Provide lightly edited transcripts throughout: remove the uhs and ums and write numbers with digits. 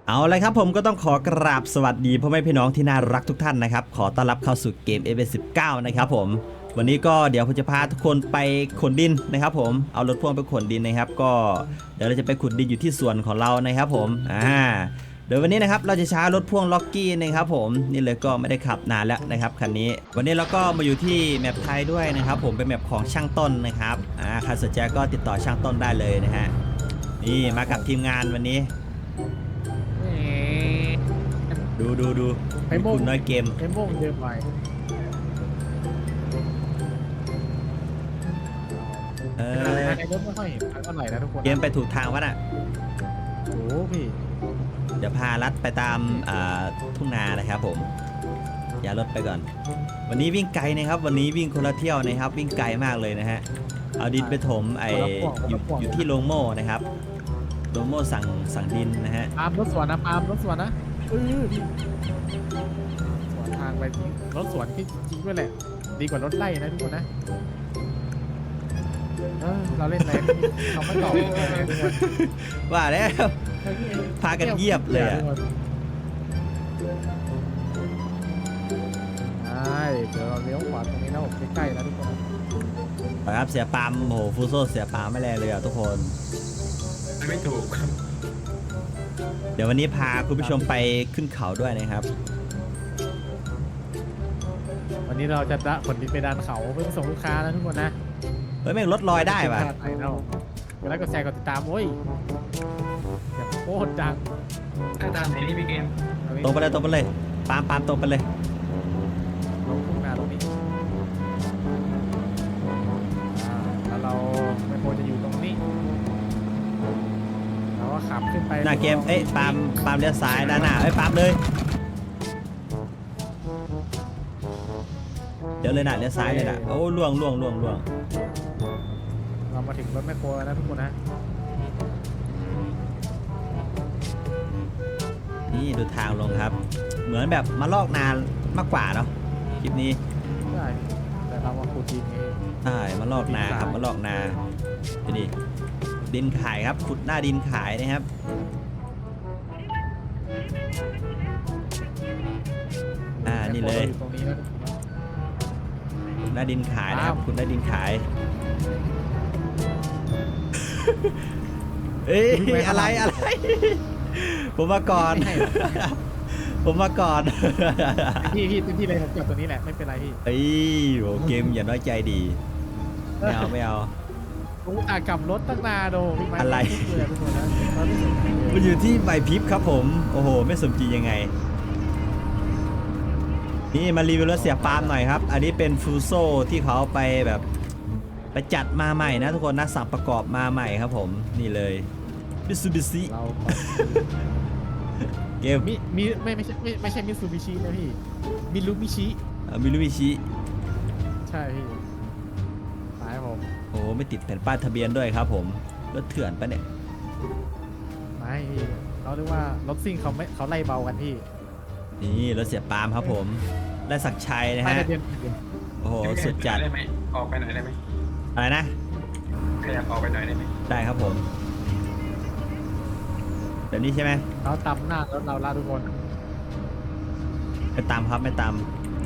เอาเลยครับผมก็ต้องขอกราบสวัสดีพ่อแม่พี่น้องที่น่ารักทุกท่านนะครับขอต้อนรับเข้าสู่เกม F19 นะครับผมวันนี้ก็เดี๋ยวผมจะพาทุกคนไปขนดินนะครับผมเอารถพ่วงไปขนดินนะครับก็เดี๋ยวเราจะไปขุดดินอยู่ที่สวนของเรานะครับผมเดี๋ยววันนี้นะครับเราจะใช้รถพ่วงล็อกกี้นะครับผมนี่เลยก็ไม่ได้ขับนานแล้วนะครับคันนี้วันนี้เราก็มาอยู่ที่แมปไทยด้วยนะครับผมเป็นแมปของช่างต้นนะครับใครสนใจก็ติดต่อช่างต้นได้เลยนะฮะนี่มากับทีมงานวันนี้ดูไอ้โม่งคุณน้อยเกมไอ้โม่งเยอะไปในรถไม่ค่อยเห็นเท่าไหร่นะทุกคนเกมไปถูกทางวะน่ะโอ้พี่เดี๋ยวพาลัดไปตามทุ่งนานะครับผมอย่ารถไปก่อนวันนี้วิ่งไกลนะครับวันนี้วิ่งคนละเที่ยวนะครับวิ่งไกลมากเลยนะฮะเอาดินไปถมอยู่ที่โรงโม่นะครับโรงโม่สั่งดินนะฮะปาล์มรถสวนนะปาล์มรถสวนนะพี่สวนทางไปจริงรถสวนที่จริงด้วยแหละดีกว่ารถไล่นะทุกคนนะเราเล่นอะไรเขาไม่ตอบว่าแล้วพากันเยียบเลยอ่ะเดี๋ยวเราเลี้ยวขวาตรงนี้แล้วใกล้ๆแล้วทุกคนครับเสียปาล์มโหฟูโซเสียปาล์มไม่แรงเลยอ่ะทุกคนไม่ถูกเดี๋ยววันนี้พาคุณผู้ชมไปขึ้นเขาด้วยนะครับวันนี้เราจะขนดินไปดันเขาเพื่อส่งลูกค้านะทุกคนนะเฮ้ยแม่งรถลอยได้ป่ะเวลากดแชร์กดติดตามโอ้ยอย่าโคตรดังตามไหนนี่พี่เกมตรงไปเลยปาล์มตรงไปเลยลงทุ่งนาตรงนี้แล้วเราไม่ควรจะอยู่ตรงนี้เราก็ขับขึ้นไปหน้าเกมปาล์มเลี้ยวซ้ายด้านหน้าปาล์มเลยเดี๋ยวเลยนะเลี้ยวซ้ายเลยนะโอ้ล่วงเรามาถึงรถแมคโครแล้วนะทุกคนนะนี่ดูทางลงครับเหมือนแบบมาลอกนานมากกว่าเนาะคลิปนี้ใช่แต่เรามาขุดดินเองใช่มาลอกนาครับมาลอกนานี่ดินขายครับขุดหน้าดินขายนะครับนี่เลยหน้าดินขายนะครับคุณหน้าดินขายอะไรผมมาก่อนพี่ที่เลยผมจอดตัวนี้แหละไม่เป็นไรพี่โอ้เกมอย่าน้อยใจดีไม่เอาผมกลับรถตั้งนานโดพี่ไม้อะไรมันอยู่ที่ใบพริบครับผมโอ้โหไม่สมจริงยังไงนี่มารีวิวรถเสียปาล์มหน่อยครับอันนี้เป็นฟูโซที่เขาไปแบบไปจัดมาใหม่นะทุกคนนะสั่งประกอบมาใหม่ครับผมนี่เลยมิซูบิชิเกมไม่ใช่มิซูบิชินะพี่มิรุบิชิใช่พี่ตายผมโอ้ไม่ติดแผ่นป้ายทะเบียนด้วยครับผมรถเถื่อนปะเนี่ยไม่เขาเรียกว่ารถซิ่งเขาไล่เบากันพี่นี่รถเสียปาล์มครับผมได้ศักดิ์ชัยนะฮะโอ้โหสุดจัดได้ไหมออกไปหน่อยได้ไหมอะไรนะขยับออกไปหน่อยได้ไหมได้ครับผมเดี๋ยวนี้ใช่ไหมเราตำหน้ารถเราล่าทุกคนไม่ตามครับไม่ตาม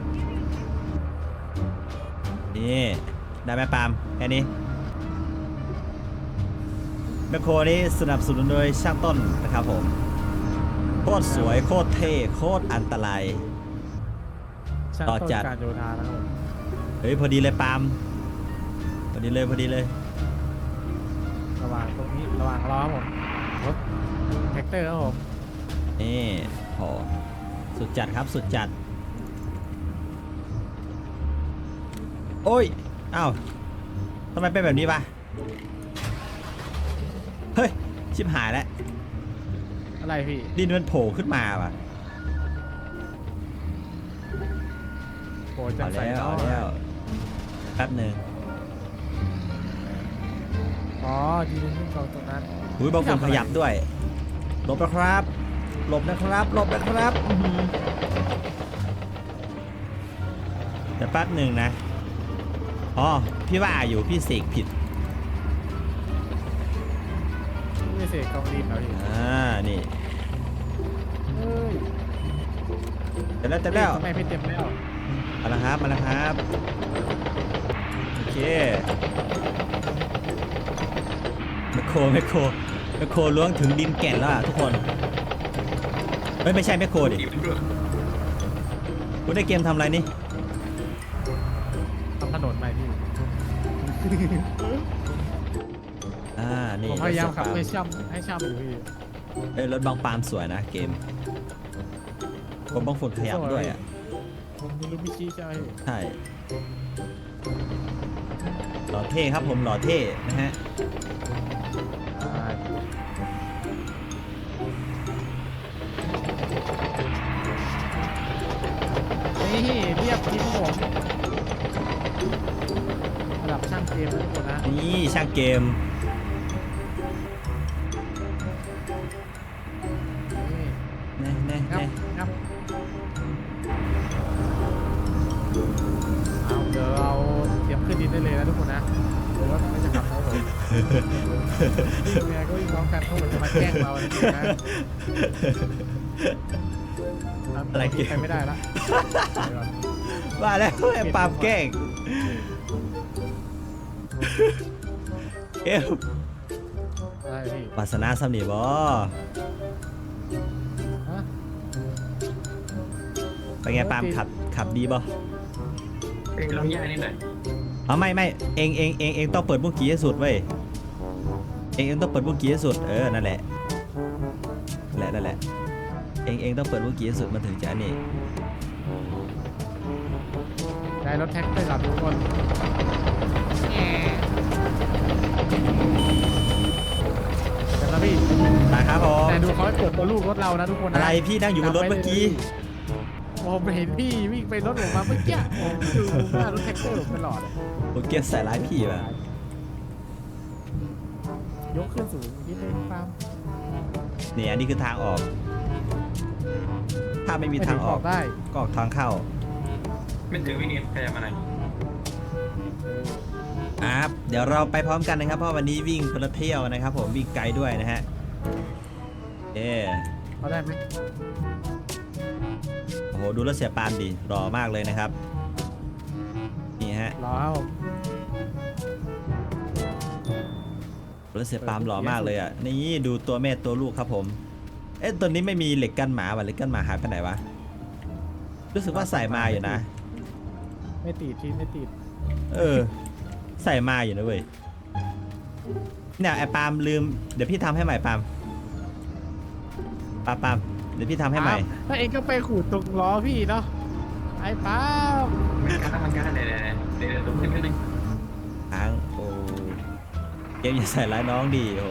นี่ได้ไหมปาล์มแค่นี้แมคโครนี้สนับสนุนโดยช่างต้นนะครับผมโคตรสวยโคตรเท่โคตรอันตรายต่อจัดการโยธานะครับผมเฮ้ยพอดีเลยปาล์มพอดีเลยระหว่างตรงนี้ระหว่างรอผมรถแท็กเตอร์ครับผมนี่โหสุดจัดครับสุดจัดโอ้ยอ้าวทำไมเป็นแบบนี้ปะเฮ้ยชิบหายแล้วอะไรพี่ดินมันโผล่ขึ้นมาป่ะโผล่จากใส่แล้วแป๊บหนึ่งอ๋อดินขึ้นตรงนั้นหุ้ยบางคนขยับด้วยหลบนะครับแต่แป๊บหนึ่งนะอ๋อพี่ว่าอยู่พี่เสกผิดไม่เสกกองดินเหรอพี่นี่แล้วเต็มแล้วทำไมพี่เต็มแล้วมาแล้วครับมาแล้วครับโอเคแมคโครล้วงถึงดินแก่นแล้วอะทุกคนเฮ้ยไม่ใช่แมคโครดิอีกเป็นเรื่องคุณได้เกมทำอะไรนี่ทำถนนใหม่พี่นี่ผมพยายามขับรถให้เสียปาล์ช่ำอยู่พี่รถบางปาล์มสวยนะเกมผมบางฝุ่นขยับด้วยอ่ะมีลูกมิชิใช่ไหมใช่หล่อเท่ครับผมหล่อเท่นะฮะนี่เรียบทีมผมระดับช่างเกมทุกคนนะนี่ช่างเกมนี่แน่งับงับเอาเดี๋ยวเราเตรียมขึ้นดินได้เลยนะทุกคนนะหรือว่าไม่จะขับเขาผมวิ่งไงก็วิ่งพร้อมกันเขาเหมือนจะมาแกล้งเราอะไรอย่างเงี้ยนะอะไรเกมไปไม่ได้ละว่าแล้วไอ้ปาล์มแกล้งเอวอะไรพี่วาสนาสำนีบอฮะเป็นไงปาล์มขับดีบอลองแยกนิดหน่อยอ๋อไม่เองต้องเปิดบุ้งกี้ให้สุดเว้ยเองต้องเปิดบุ้งกี้ให้สุดนั่นแหละเองต้องเปิดบุ้งกี้ให้สุดมันถึงจะอันนี้ได้รถแท็กเตอร์กับทุกคนเดี๋ยวนะพี่นะครับผมแต่ดูเขาให้เปิดตัวลูกรถเรานะทุกคนนะอะไรพี่นั่งอยู่บนรถเมื่อกี้ผมเห็นพี่วิ่งไปรถผมมาเมื่อกี้ผมดูหน้ารถแท็กเตอร์ผมตลอดผมเก็บใส่ร้ายพี่ว่ะยกขึ้นสูงนิดนึงปาล์มนี่อันนี้คือทางออก ถ้าไม่มีทางออกได้ก็ออกทางเข้าไม่ถึงพี่เกมขยับมาหน่อยเดี๋ยวเราไปพร้อมกันนะครับเพราะวันนี้วิ่งคนละเที่ยวนะครับผมวิ่งไกลด้วยนะฮะเขาได้ไหมโอ้โหดูรถเสียปานดิหล่อมากเลยนะครับนี่ฮะรอครับผมรถเสียปามหล่อมากเลยอ่ะนี่ดูตัวแม่ตัวลูกครับผมตัวนี้ไม่มีเหล็กกันหมาว่ะเหล็กกันหมาหายไปไหนวะรู้สึกว่าใส่มาอยู่นะไม่ติดพี่ไม่ติดใส่มาอยู่นะเว้ยเนี่ยไอ้ปาล์มลืมเดี๋ยวพี่ทำให้ใหม่ปาล์มเดี๋ยวพี่ทำให้ใหม่ถ้าเองก็ไปขูดตรงล้อพี่เนาะไอ้ปาล์มมันการเดี๋ยวตรงนี้นิดนึงค้างโอ้เกมอย่าใส่ร้ายน้องดิโอ้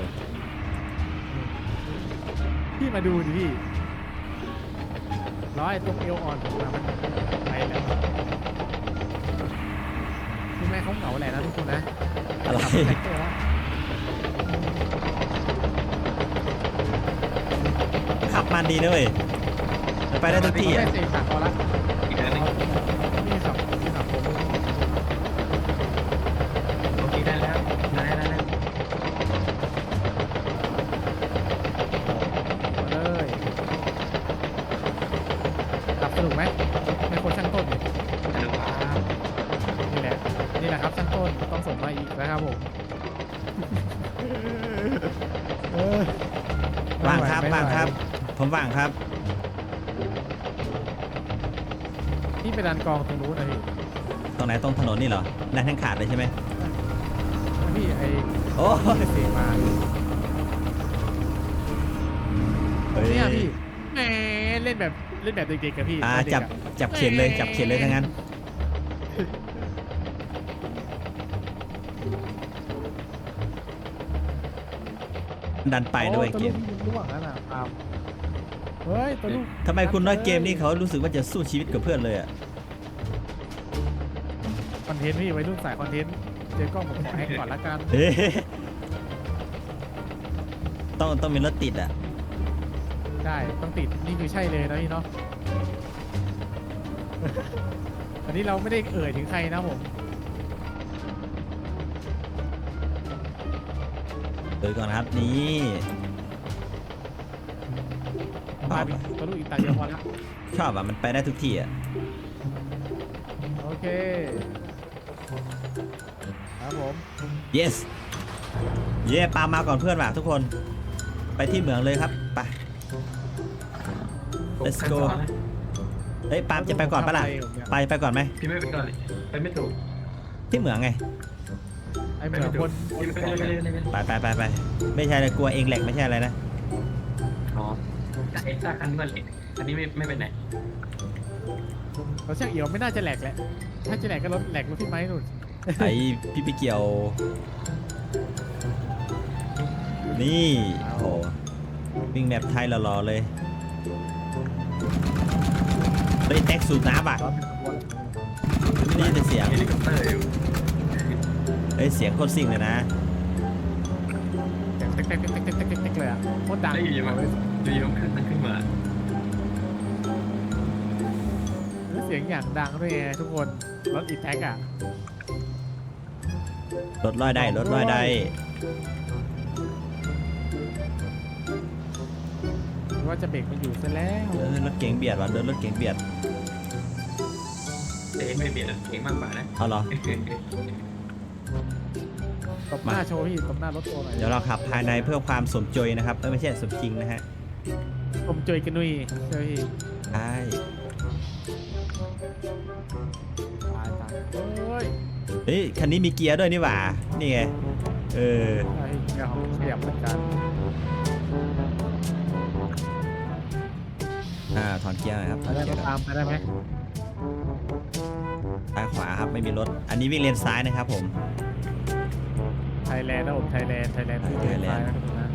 พี่มาดูดิพี่ล้อไอ้ตรงเอวอ่อนผมอะมันไปแล้วคือแม่เขาเหงาแหละนะทุกคนนะอะไรแท็กเตอร์วะขับมันดีนะเว้ยไปได้ทุกที่อ่ะได้เสกขาพอละอีกนิดนึงนี่ขับผมโอเคได้แล้วมาได้เลยขับสนุกไหมไม่คนช่างต้นเนี่ยสนุกครับนี่แหละครับช่างต้นต้องส่งมาอีกนะครับผมว่างครับผมว่างครับนี่ไปดันกองตรงนู้นนะพี่ตรงไหนตรงถนนนี่เหรอดันทั้งขาดเลยใช่ไหมพี่ไอ้โอ้เสกมาเนี่ยพี่แหมเล่นแบบเด็กๆกับพี่จับเข็นเลยทั้งนั้นดันไปด้วยเกมล่วงนั่นน่ะครับเฮ้ยตัวลูกทำไมคุณน้อยเกมนี่เขารู้สึกว่าจะสู้ชีวิตกับเพื่อนเลยอ่ะคอนเทนต์พี่ไว้รุ่นสายคอนเทนต์เจอกล้องผมขอให้ก่อนละกันเอ๊ะต้องมีรถติดอ่ะได้ต้องติดนี่คือใช่เลยนะพี่เนาะ อันนี้เราไม่ได้เอ่ยถึงใครนะผมเดี๋ยวก่อนนะครับนี่พาไปทะลุอีกตาเดียวพอแล้วชอบอ่ะมันไปได้ทุกที่อ่ะโอเคครับผม yes เย่ปาล์มมาก่อนเพื่อนว่ะทุกคนไปที่เหมืองเลยครับไป let's go เฮ้ยปาล์มจะไปก่อนปะล่ะไปก่อนไหมพี่ไม่ไปก่อนเลยไปไม่ถูกที่เหมืองไงไอ้เหมือนคนไปไม่ใช่เลยกลัวเองแหลกไม่ใช่อะไรนะอ๋อไอ้ซากคันนี้มันเหล็กอันนี้ไม่เป็นไหนเราช่างเอี่ยวไม่น่าจะแหลกแหละถ้าจะแหลกก็รถแหลกรถพี่ไม้นู่นไอพี่ไปเกี่ยว นี่โอ้วิ่งแบบไทยหล่อๆเลยเฮ้ยแท็กสูบน้ำอ่ะนี่แต่เสียงเฮลิคอปเตอร์อยู่เฮ้ยเสียงโคตรซิ่งเลยนะเต็กเลยอ่ะโคตรดังได้อยู่มั้ยอยู่ๆขึ้นมาเสียงอย่างดังด้วยไงทุกคนรถอีแท็กอ่ะรถลอยได้รถลอยได้ว่าจะเบรกมันอยู่ซะแล้วรถเก๋งเบียดว่ะเดินรถเก๋งเบียดแต่เองไม่เบียดเองมากกว่านะเอาเหรอตบหน้าโชว์พี่ตบหน้ารถโชว์หน่อยเดี๋ยวเราขับภายในเพื่อความสมจอยนะครับไม่ใช่สมจริงนะฮะผมจอยกันนุ้ยเฮ้ยใช่ตายเฮ้ยเฮ้ยคันนี้มีเกียร์ด้วยนี่หว่านี่ไงเออไอ้เงี้ยของขยับเหมือนกันถอนเกียร์หน่อยครับถไปอนได้เกียร์ตามไปได้ไหมซ้ายขวาครับไม่มีรถอันนี้วิ่งเลนซ้ายนะครับผมไทยแลนด์นะผมไทยแลนด์ที่เลนซ้ายนะทุกคนนะ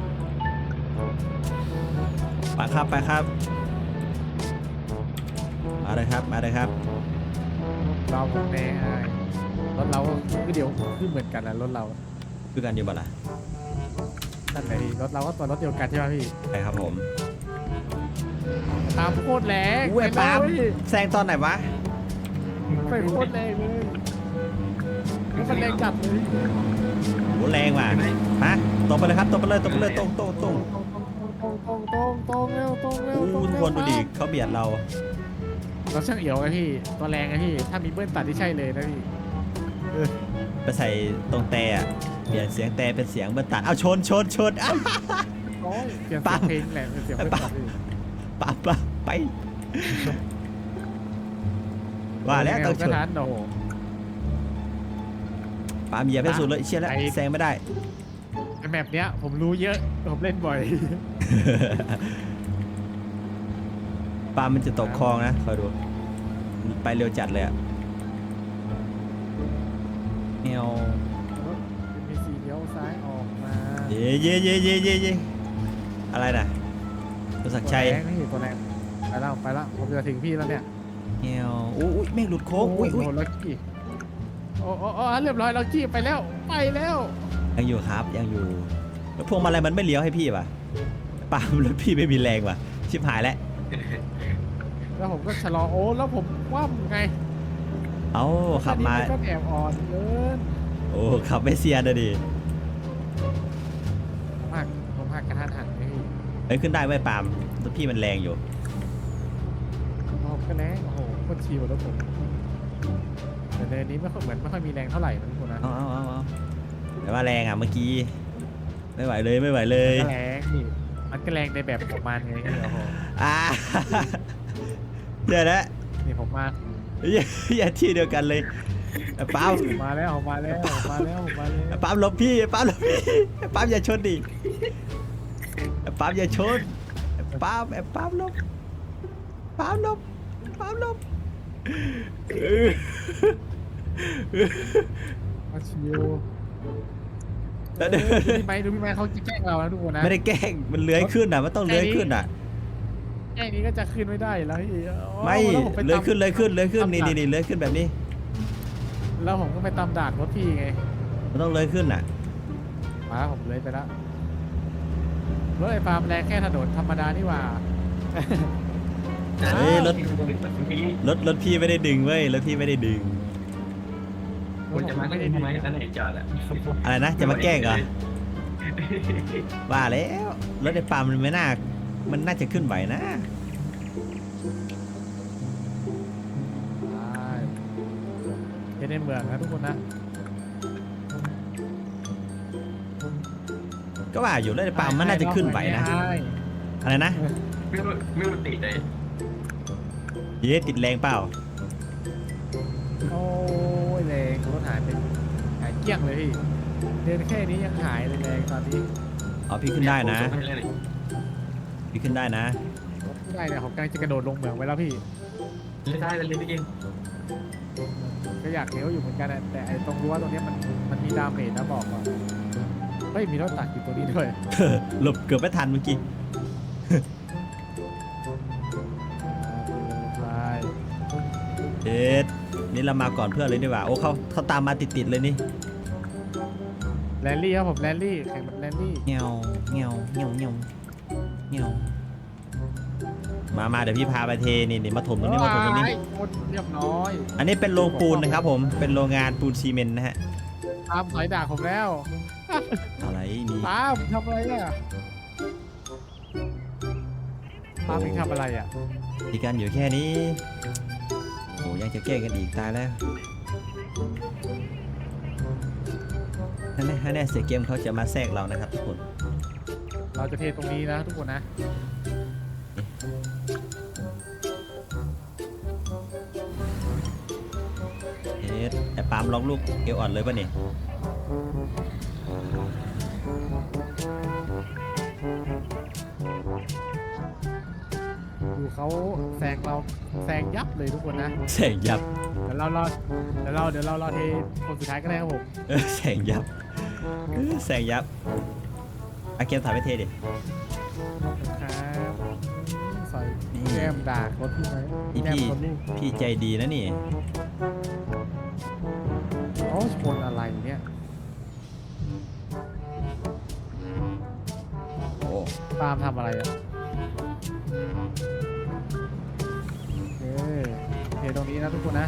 ไปครับไปครับมาเลยครับมาเลยครับเราผมแน่รถเราก็เดียวขึ้นเหมือนกันนะรถเราคือกันอยู่บ่ล่ะนั่นแหละพี่รถเราก็ตัวรถเดียวกันใช่ไหมพี่ใช่ครับผมตามโคตรแรงอุ้ยปาล์มแซงตอนไหนวะไปโคตรแรงเลยมันแรงจัดเลยโหแรงว่ะฮะตรงไปเลยครับตรงไปเลยตรงไปเลยตรงตรงเร็วตรงเร็วอู้ทุกคนดูดิเขาเบียดเราเราช่างเอี่ยวไงพี่ตัวแรงไงพี่ถ้ามีเบิ้ลตัดที่ใช่เลยนะพี่ไปใส่ตรงแต่อะเปลี่ยนเสียงแต่เป็นเสียงเบอร์ตัดเอาชนอ้าวเปลี่ยนเพลงแหละเสียงเบิ้ลตัดพี่ปั๊บไปว่าแล้วต้องชนทันโอ้โหปาล์มเหยียบให้สุดเลยเชี่ยแล้วแซงไม่ได้แมปเนี้ยผมรู้เยอะผมเล่นบ่อยปาล์มมันจะตกคลองนะคอยดูไปเร็วจัดเลยอะเนียวมีสีเลี้ยวซ้ายออกมาเย่อะไรน่ะตัวศักดิ์ชัยตัวแรงไปแล้วผมจะถึงพี่แล้วเนี่ยเนียวอุ้ยแม่งหลุดโค้งอุ้ยลักกี้โอ้เรียบร้อยลักกี้ไปแล้วยังอยู่ครับยังอยู่แล้วพวงมาลัยมันไม่เลี้ยวให้พี่ป่ะปาล์มรถพี่ไม่มีแรงว่ะชิบหายแล้วแล้วผมก็ชะลอแล้วผมคว่ำไงเอ้าขับมาก็แอบอ่อนเกินโอ้ขับไม่เซียนนะดิผมหักกระทันหันไงเฮ้ยขึ้นได้ไว้ยปาล์มรถพี่มันแรงอยู่ผมก็แรงโอ้โหโคตรชิวแล้วผมแต่เนินนี้ไม่ค่อยมีแรงเท่าไหร่นะทุกคนนะเอาแต่ว่าแรงอ่ะเมื่อกี้ไม่ไหวเลยก็แรงนี่มันก็แรงในแบบของมันไงโอ้โหเดี๋ยวนะนี่ผมมาอย่าที่เดียวกันเลยปาล์มมาแล้วปาล์มหลบพี่ปาล์มอย่าชนดิปาล์มอย่าชนปาล์มหลบมาชิวแล้วดูพี่ไม้เขาแกล้งเรานะทุกคนนะไม่ได้แกล้งมันเลื้อยขึ้นอ่ะมันต้องเลื้อยขึ้นอ่ะแกล้งนี้ก็จะขึ้นไม่ได้แล้วพี่ไม่เลื้อยขึ้นนี่เลื้อยขึ้นแบบนี้แล้วผมก็ไปตามด่านรถพี่ไงมันต้องเลื้อยขึ้นอ่ะมาผมเลยไปแล้วรถไอ้ฟาร์มแรงแค่ถนนธรรมดานี่หว่าเฮ้ยรถพี่ไม่ได้ดึงเว้ยรถพี่ไม่ได้ดึงคุณจะมาก็ได้ทำไมนั่นไหนจอดอ่ะอะไรนะจะมาแกล้งเหรอว่าแล้วรถไอ้ปาล์มมันไม่น่ามันน่าจะขึ้นไหวนะใช่ในเมืองนะทุกคนนะก็ว่าอยู่เลยปาล์มมันน่าจะขึ้นไหวนะใช่อะไรนะไม่รู้ติดเลยเย้ติดแรงเปล่าโอ้ยแรงรถหายไปหายเกลี้ยงเลยพี่เดินแค่นี้ยังหายเลยแรงตอนนี้เอาพี่ขึ้นได้นะผมส่งให้เลยพี่ขึ้นได้นะรถไม่ได้เนี่ยผมกำลังจะกระโดดลงเหมืองไปแล้วพี่เล่นได้เล่นได้เองก็อยากเลี้ยวอยู่เหมือนกันอะแต่ไอ้ตรงรั้วตรงเนี้ยมันมีดาเมจนะบอกก่อนเฮ้ยมีรถตักอยู่ตัวนี้ด้วยหลบเกือบไม่ทันเมื่อกี้ใช่เอ็ดนี่เรามาก่อนเพื่อนเลยดีกว่าโอ้เขาตามมาติดๆเลยนี่แรลลี่ครับผมแรลลี่แข่งแบบแรลลี่เงียวเงียวเงียวเงียวเงียวมาเดี๋ยวพี่พาไปเทนี่มาถมตรงนี้มาถมตรงนี้หมดเรียบร้อยอันนี้เป็นโรงปูนนะครับผมเป็นโรงงานปูนซีเมนต์นะฮะตามสอยด่าผมแล้วอะไรมีตามทำอะไรอ่ะตามเองทำอะไรอ่ะมีกันอยู่แค่นี้โอ้ยังจะแก้กันอีกตายแล้วนั่นแน่เสียเกมเขาจะมาแทรกเรานะครับทุกคนเราจะเทตรงนี้นะทุกคนนะเอ็ดไอ้ปาล์มล็อกลูกเอวอ่อนเลยป่ะเนี่ยดูเขาแซงเราแซงยับเลยทุกคนนะแสงยับเดี๋ยวเรารอเทคนสุดท้ายก็ได้ครับผมแสงยับแสงยับอาเกมถ่ายไปเทดิครับใส่นี่แก้มด่ารถพี่ไหมนี่แก้มพี่คนลูกพี่ใจดีนะนี่โอ้ชนอะไรเนี่ยโอ้ตามทำอะไรอ่ะโอเคตรงนี้นะทุกคนนะ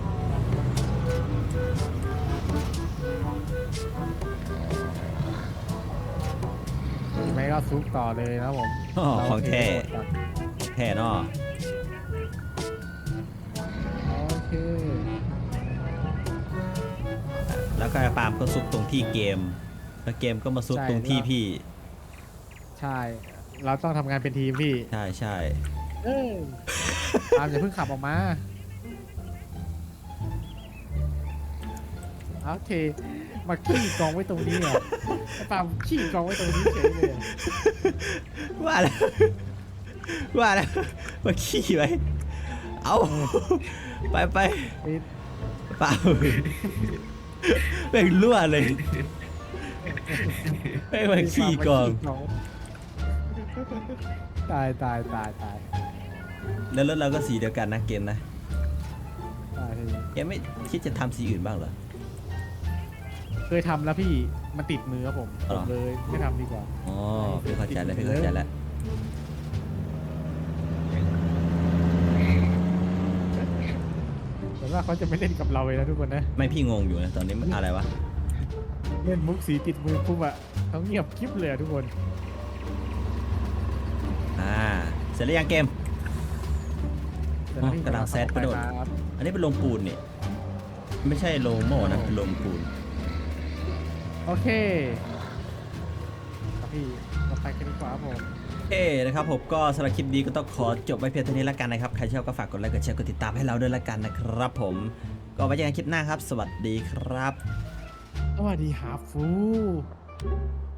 ไม่ก็ซุกต่อเลยนะครับผมอ๋อของแท้เราเทให้หมดก่อนแท้เนาะโอเคแล้วก็ไอ้ปาล์มก็ซุกตรงที่เกมแล้วเกมก็มาซุกตรงที่พี่ใช่ เราต้องทำงานเป็นทีมพี่ใช่ใช่เออตามอย่าเพิ่งขับออกมาโอเค มาขี้กองไว้ตรงนี้เหรอตามขี้กองไว้ตรงนี้เฉยเลยอะว่าแล้วมาขี้ไว้เอาไปปิดเปล่าเป็นรั่วเลยไม่มาขี้กองตายแล้วรถเราก็สีเดียวกันนะเกมนะตายแกไม่คิดจะทำสีอื่นบ้างเหรอเคยทำแล้วพี่มันติดมือครับผมอ๋อเลยไม่ทำดีกว่าอ๋อพี่เข้าใจแล้วแต่ว่าเขาจะไม่เล่นกับเราเลยนะทุกคนนะไม่พี่งงอยู่นะตอนนี้มันอะไรวะเล่นมุกสีติดมือปุ๊บอะเขาเงียบคลิปเลยอะทุกคนเสร็จแล้วยังเกมแต่ละที่กำลังแซดกระโดดครับอันนี้เป็นโรงปูนนี่ไม่ใช่โรงโม่นะเป็นโรงปูนโอเคครับพี่เราไปกันดีกว่าครับผมนะครับผมก็สำหรับคลิปนี้ก็ต้องขอจบไว้เพียงเท่านี้แล้วกันนะครับใครชอบก็ฝากกดไลค์กดแชร์กดติดตามให้เราด้วยละกันนะครับผมก็ไว้เจอกันคลิปหน้าครับ สวัสดีครับสวัสดีหาฟู